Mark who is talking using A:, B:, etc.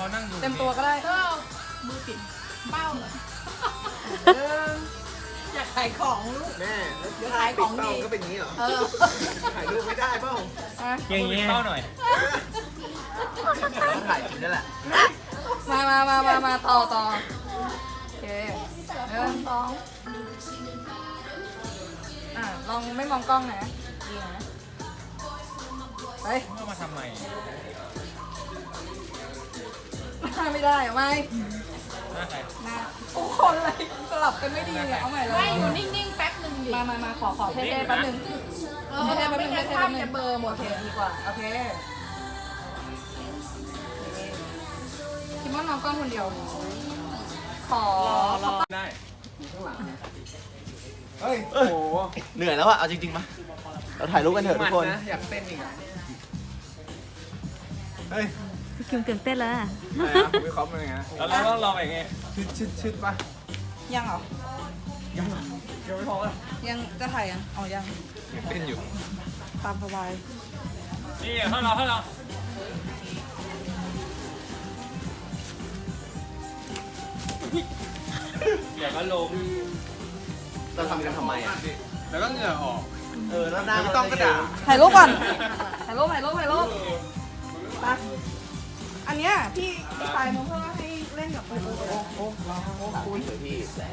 A: เขานั่งดู
B: เต็มตัวก็ได้
C: มือปิดเป้าเลย
B: เออ
C: อยากขายของลูก
D: แม่
C: เดี๋ยวขายของดี
D: ก็เป็นอย่างนี้เหรอ
C: เออ
D: ถ่ายรูปไม่ได้เปล่า
B: อ่ะ
A: อย่างนี้เป้าหน่อย
D: ต้องถ่ายจริงนั่นแหละ
B: มาต่อโอเคสองลองไม่มองกล้องนะดีนะไป
A: เอามาทำไม
B: ไม่ได้เอาไม่
A: หน้าใคร
B: นะโอ้คนเลยสลับกันไม่ดีเนี่ยเอาใหม่เลย
C: ไม่อยู่นิ่งๆแป๊บหนึ่งดิ
B: มาขอเท่ๆแป๊บนึง เท่ๆแป๊บนึง
C: ไม่งั้น
B: เท่ๆ
C: ภา
B: แป๊บนึง
C: พจะเบลอหมด
B: โอเคดีกว่าโอเคคิดว่ามองกล้องคนเดียวขอ
A: ได้
D: เฮ้ย โอ้โห
E: เหนื่อยแล้วอะเอาจริงๆมาเราถ่ายรูปกันเถอะทุกคน
D: นะอยากเต้นอีกอ่ะเฮ้ย
F: คิมตื่นเต้นแล้วอะ
D: อะไรนะผมวิเคราะห์มันยังไงนะ
A: แล้วเราต้องรอไปไง
D: ชิดป่ะ
B: ยังเหรอ
D: ยังไม่พอเลย
B: ยังจะถ่ายยังอ๋อยัง
D: อยากเต้นอยู่
B: ตามสบาย
A: นี่ให้เราเดี๋ยวก็ลง
E: เราทำกันทำไมอะ
D: แล้วก็เหงื่อออก
E: แล้วหน้า
D: ไม่ต้องกระดาษ
B: ถ่ายรูปก่อนถ่ายรูปไปอันเนี้ยพี่ชายมาเพื่อให้เล่นกับโอ้
E: คุยเถอะพี่